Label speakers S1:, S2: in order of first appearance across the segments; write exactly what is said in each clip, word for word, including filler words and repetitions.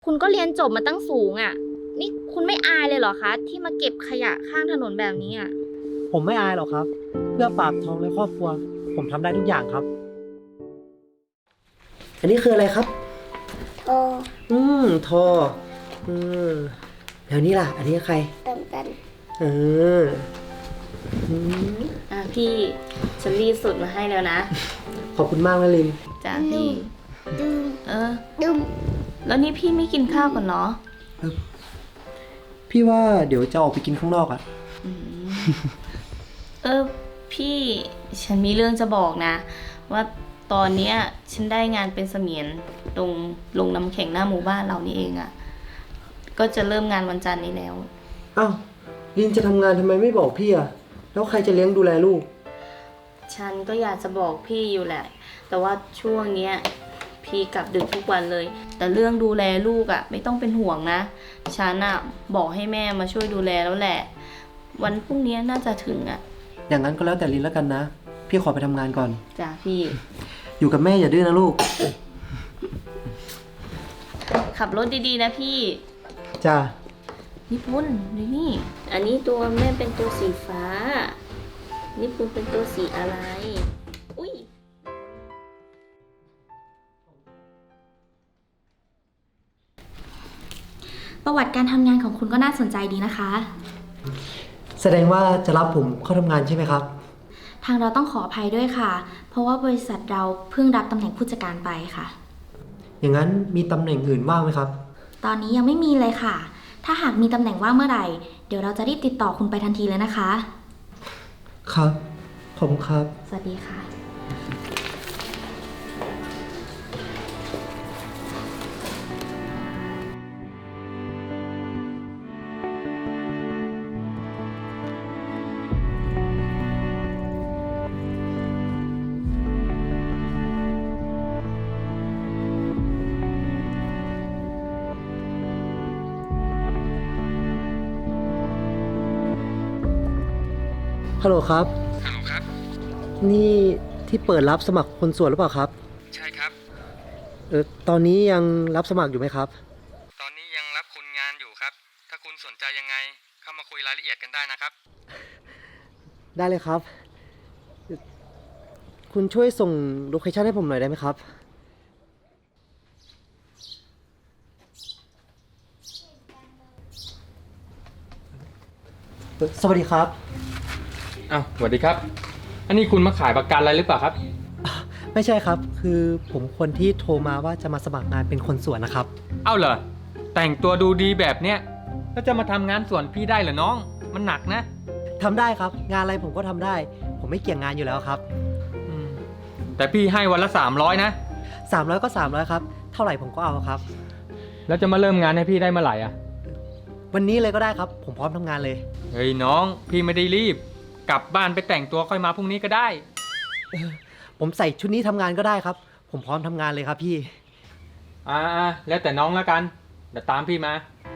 S1: คุณก็เรียนจบมาตั้งสูงอ่ะนี่คุณไม่อายเลยเหรอคะที่มาเก็บขยะข้างถนนแบบนี้อ่ะ
S2: ผมไม่อายหรอกครับเพื่อปากท้องและครอบครัวผมทำได้ทุกอย่างครับอันนี้คืออะไรครับ
S3: โอ
S2: อืมทออืมแล้วนี่ล่ะอันนี้ใคร
S3: เติมกัน
S2: เอออืม
S1: อ่ะพี่ฉันรีดสุดมาให้แล้วนะ
S2: ขอบคุณมากนะลิน
S1: จ้าพี่
S3: ดึม
S1: เออ
S3: ดึม
S1: แล้วนี่พี่ไม่กินข้าวก่อนเนาะ
S2: พี่ว่าเดี๋ยวจะออกไปกินข้างนอกอ่ะ
S1: เออพี่ฉันมีเรื่องจะบอกนะว่าตอนเนี้ยฉันได้งานเป็นเสมียนตรงลงน้ำแข็งหน้าหมู่บ้านเรานี่เองอะ่ะก็จะเริ่มงานวันจันทร์นี้แล้ว
S2: อ้าวลินจะทำงานทำไมไม่บอกพี่อ่ะแล้วใครจะเลี้ยงดูแลลูก
S1: ฉันก็อยากจะบอกพี่อยู่แหละแต่ว่าช่วงเนี้ยพี่กลับดึกทุกวันเลยแต่เรื่องดูแลลูกอะ่ะไม่ต้องเป็นห่วงนะฉันอะ่ะบอกให้แม่มาช่วยดูแลแล้วแหละวันพรุ่งนี้น่าจะถึงอะ่ะ
S2: อย่างนั้นก็แล้วแต่ลินแล้วกันนะพี่ขอไปทำงานก่อน
S1: จ้ะพี่
S2: อยู่กับแม่อย่าดื้อนะลูก
S1: ขับรถดีๆนะพี่
S2: จ้า
S1: นิพุนดูนี่อันนี้ตัวแม่เป็นตัวสีฟ้านิพุนเป็นตัวสีอะไรอุ้ย
S4: ประวัติการทำงานของคุณก็น่าสนใจดีนะคะ
S2: แสดงว่าจะรับผมเข้าทำงานใช่ไหมครับ
S4: ทางเราต้องขออภัยด้วยค่ะ เพราะว่าบริษัทเราเพิ่งรับตำแหน่งผู้จัดการไปค่ะ
S2: อย่างนั้นมีตำแหน่งอื่นว่างไหมครับ
S4: ตอนนี้ยังไม่มีเลยค่ะ ถ้าหากมีตำแหน่งว่างเมื่อไหร่ เดี๋ยวเราจะรีบติดต่อคุณไปทันทีเลยนะคะ
S2: ครับขอบคุณครับ
S4: สวัสดีค่ะ
S2: ฮัลโหลครับ
S5: ฮัลโหลครับ
S2: นี่ที่เปิดรับสมัครคนสวนหรือเปล่าครับ
S5: ใช่ครับ
S2: เออตอนนี้ยังรับสมัครอยู่ไหมครับ
S5: ตอนนี้ยังรับคนงานอยู่ครับถ้าคุณสนใจยังไงเข้ามาคุยรายละเอียดกันได้นะครับ
S2: ได้เลยครับคุณช่วยส่งโลเคชั่นให้ผมหน่อยได้ไหมครับสวัสดีครับ
S5: อ้าวสวัสดีครับอันนี้คุณมาขายประกันอะไรหรือเปล่าครับ
S2: ไม่ใช่ครับคือผมคนที่โทรมาว่าจะมาสมัครงานเป็นคนสวนนะครับ
S5: เอ้าเหรอแต่งตัวดูดีแบบเนี้ยแล้วจะมาทำงานสวนพี่ได้เหรอน้องมันหนักนะ
S2: ทำได้ครับงานอะไรผมก็ทำได้ผมไม่เกี่ยงงานอยู่แล้วครับ
S5: แต่พี่ให้วันละสามร้อยนะ
S2: สามร้อยก็สามร้อยครับเท่าไหร่ผมก็เอาครับ
S5: แล้วจะมาเริ่มงานให้พี่ได้เมื่อไหร่อ่ะ
S2: วันนี้เลยก็ได้ครับผมพร้อมทำงานเลย
S5: เฮ้ยน้องพี่ไม่ได้รีบกลับบ้านไปแต่งตัวค่อยมาพรุ่งนี้ก็ได้
S2: ผมใส่ชุดนี้ทำงานก็ได้ครับผมพร้อมทำงานเลยครับพี่
S5: อ่าแล้วแต่น้องแล้วกันเดี๋ยวตามพี่มา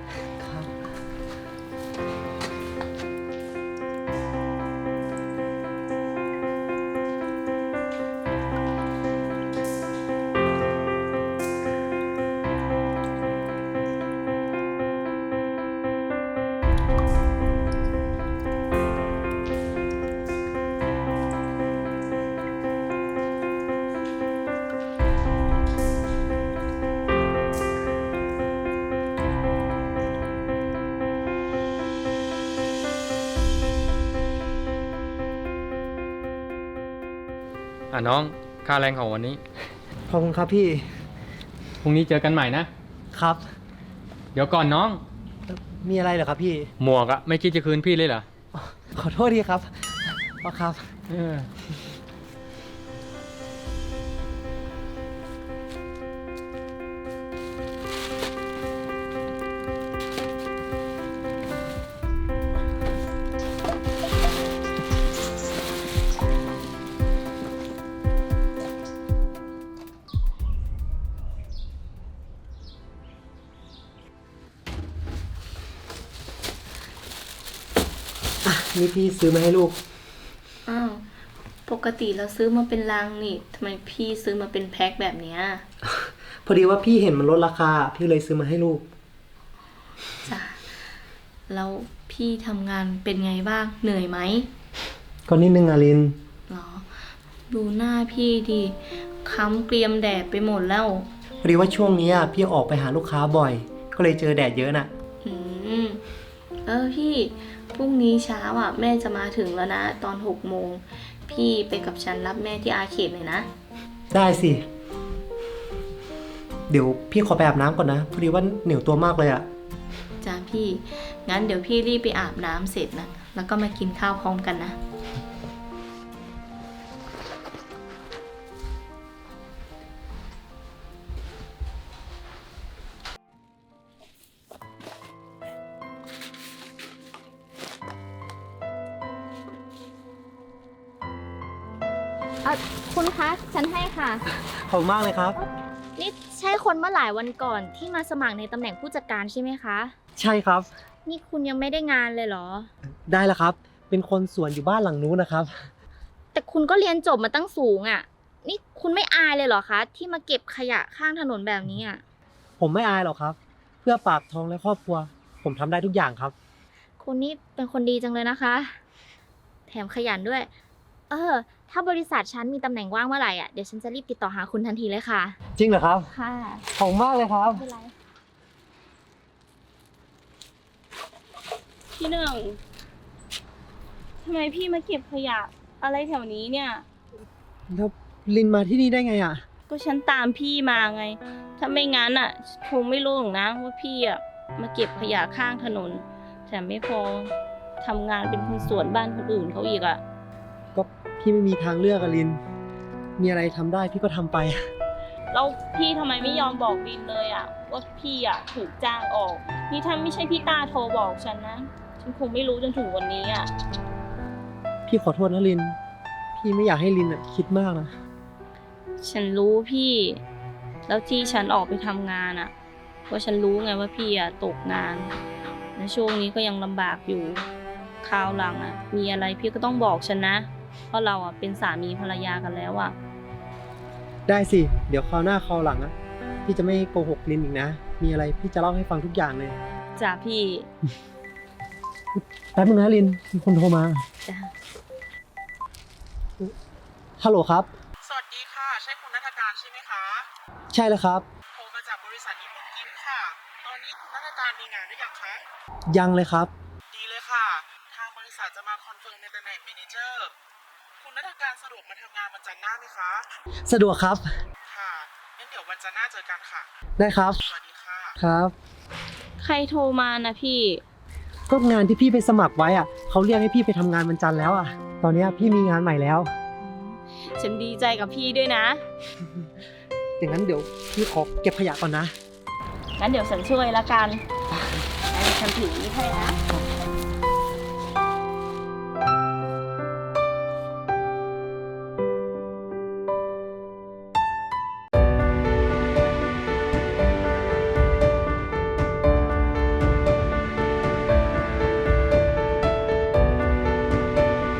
S5: อ่ะน้องค่าแรงของวันนี้
S2: ขอบคุณครับพี่
S5: พรุ่งนี้เจอกันใหม่นะครับเดี๋ยวก่อนน้อง
S2: มีอะไรเหรอครับพี่
S5: หมวกอะไม่คิดจะคืนพี่เลยเหรอ
S2: ขอโทษทีครับพ่อครับเออนี่พี่ซื้อมาให้ลูก
S1: อ้าวปกติเราซื้อมาเป็นลังนี่ทำไมพี่ซื้อมาเป็นแพ็คแบบเนี้ย
S2: พอดีว่าพี่เห็นมันลดราคา พี่เลยซื้อมาให้ลูก
S1: จ้ะแล้วพี่ทำงานเป็นไงบ้าง เหนื่อยไหม
S2: ก็นิดนึงอะลิน
S1: หรอ ดูหน้าพี่ดิค้ำเกรียมแดดไปหมดแล้ว
S2: พอดีว่าช่วงนี้พี่ออกไปหาลูกค้าบ่อย ก็เลยเจอแดดเยอะน่ะ
S1: อืม เออพี่ พรุ่งนี้เช้าอ่ะ แม่จะมาถึงแล้วนะ ตอนหกโมง พี่ไปกับฉันรับแม่ที่อาเขตเลยนะ
S2: ได้สิ เดี๋ยวพี่ขอไปอาบน้ำก่อนนะ พอดีว่าเหนียวตัวมากเลยอะ
S1: จ้าพี่ งั้นเดี๋ยวพี่รีบไปอาบน้ำเสร็จนะ แล้วก็มากินข้าวพร้อมกันนะ
S4: เออคุณคะ ฉันให้ค่ะ
S2: ขอบคุณมากเลยครับ
S4: นี่ใช่คนเมื่อหลายวันก่อนที่มาสมัครในตำแหน่งผู้จัดการใช่ไหมคะ
S2: ใช่ครับ
S4: นี่คุณยังไม่ได้งานเลยเหรอ
S2: ได้แล้วครับ เป็นคนสวนอยู่บ้านหลังนู้นนะครับ
S4: แต่คุณก็เรียนจบมาตั้งสูงอะ่ะ นี่คุณไม่อายเลยเหรอคะ ที่มาเก็บขยะข้างถนนแบบนี้อ่ะ
S2: ผมไม่อายหรอกครับ เพื่อปากท้องและครอบครัว ผมทำได้ทุกอย่างครับ
S4: คุณนี่เป็นคนดีจังเลยนะคะ แถมขยันด้วย เออ ถ้าบริษัทฉันมีตำแหน่งว่างเมื่อไหร่อ่ะ เดี๋ยวฉันจะรีบติดต่อหาคุณทันทีเลยค่ะ
S2: จริงเหรอครับ
S4: ค่ะ
S2: ขอบคุณมากเลยครับ
S4: ไม่เป็นไร
S1: พี่หนึ่งทำไมพี่มาเก็บขยะอะไรแถวนี้เนี่ย
S2: แล้วลินมาที่นี่ได้ไงอ่ะ
S1: ก็ฉันตามพี่มาไง ถ้าไม่งั้นอ่ะ คงไม่รู้หรอกนะว่าพี่อ่ะมาเก็บขยะข้างถนน แถมไม่พอทำงานเป็นคนสวนบ้านคนอื่นเขาอีกอ่ะ
S2: ก็พี่ไม่มีทางเลือกอะลิน มีอะไรทำได้พี่ก็ทำไป
S1: แล้วพี่ทำไมไม่ยอมบอกลินเลยอ่ะ ว่าพี่อ่ะถูกจ้างออก นี่ถ้าไม่ใช่พี่ต้าโทรบอกฉันนะ ฉันคงไม่รู้จนถึงวันนี้อ่ะ
S2: พี่ขอโทษนะลิน พี่ไม่อยากให้ลินอะคิดมากนะ
S1: ฉันรู้พี่ แล้วที่ฉันออกไปทำงานอ่ะ เพราะฉันรู้ไงว่าพี่อ่ะตกงานในช่วงนี้ก็ยังลำบากอยู่คราวหลังอ่ะ มีอะไรพี่ก็ต้องบอกฉันนะ เพราะเราอ่ะเป็นสามีภรรยากันแล้วอ่ะ
S2: ได้สิ เดี๋ยวคราวหน้าคราวหลังอะพี่จะไม่โกหกลินอีกนะ มีอะไรพี่จะเล่าให้ฟังทุกอย่างเลย
S1: จ้าพี่
S2: แป๊บนึงนะลิน มีคนโทรมา
S1: จ้า
S2: ฮัลโหลครับ
S6: สวัสดีค่ะ ใช่คุณนัฐการใช่ไหมคะ
S2: ใช่แล้วครับ
S6: โทรมาจากบริษัทญี่ปุ่นกิฟต์ค่ะ ตอนนี้คุณนัฐการมีงานหรือยังคะ
S2: ยังเลยครับ
S6: ดีเลยค่ะ ทางบริษัทจะมาคอนเฟิร์มในตำแหน่งเมเนเจอร์ คุณนัฐการสะดวกมาทำงานวันจันทร์หน้าไหมคะ
S2: สะดวกครับ
S6: ค่ะงั้นเดี๋ยววันจันทร์หน้าเจอกันค่ะ
S2: ได้ครับ
S6: สวัสดีค่ะ
S2: ครับ
S1: ใครโทรมานะพี่
S2: ก็งานที่พี่ไปสมัครไว้อะเขาเรียกให้พี่ไปทำงานวันจันทร์แล้วอะตอนนี้พี่มีงานใหม่แล้ว
S1: ฉันดีใจกับพี่ด้วยนะ
S2: อย่างนั้นเดี๋ยวพี่ขอเก็บขยะก่อนนะ
S1: งั้นเดี๋ยวฉันช่วยละกันงั้นฉันถือนี่ให้นะ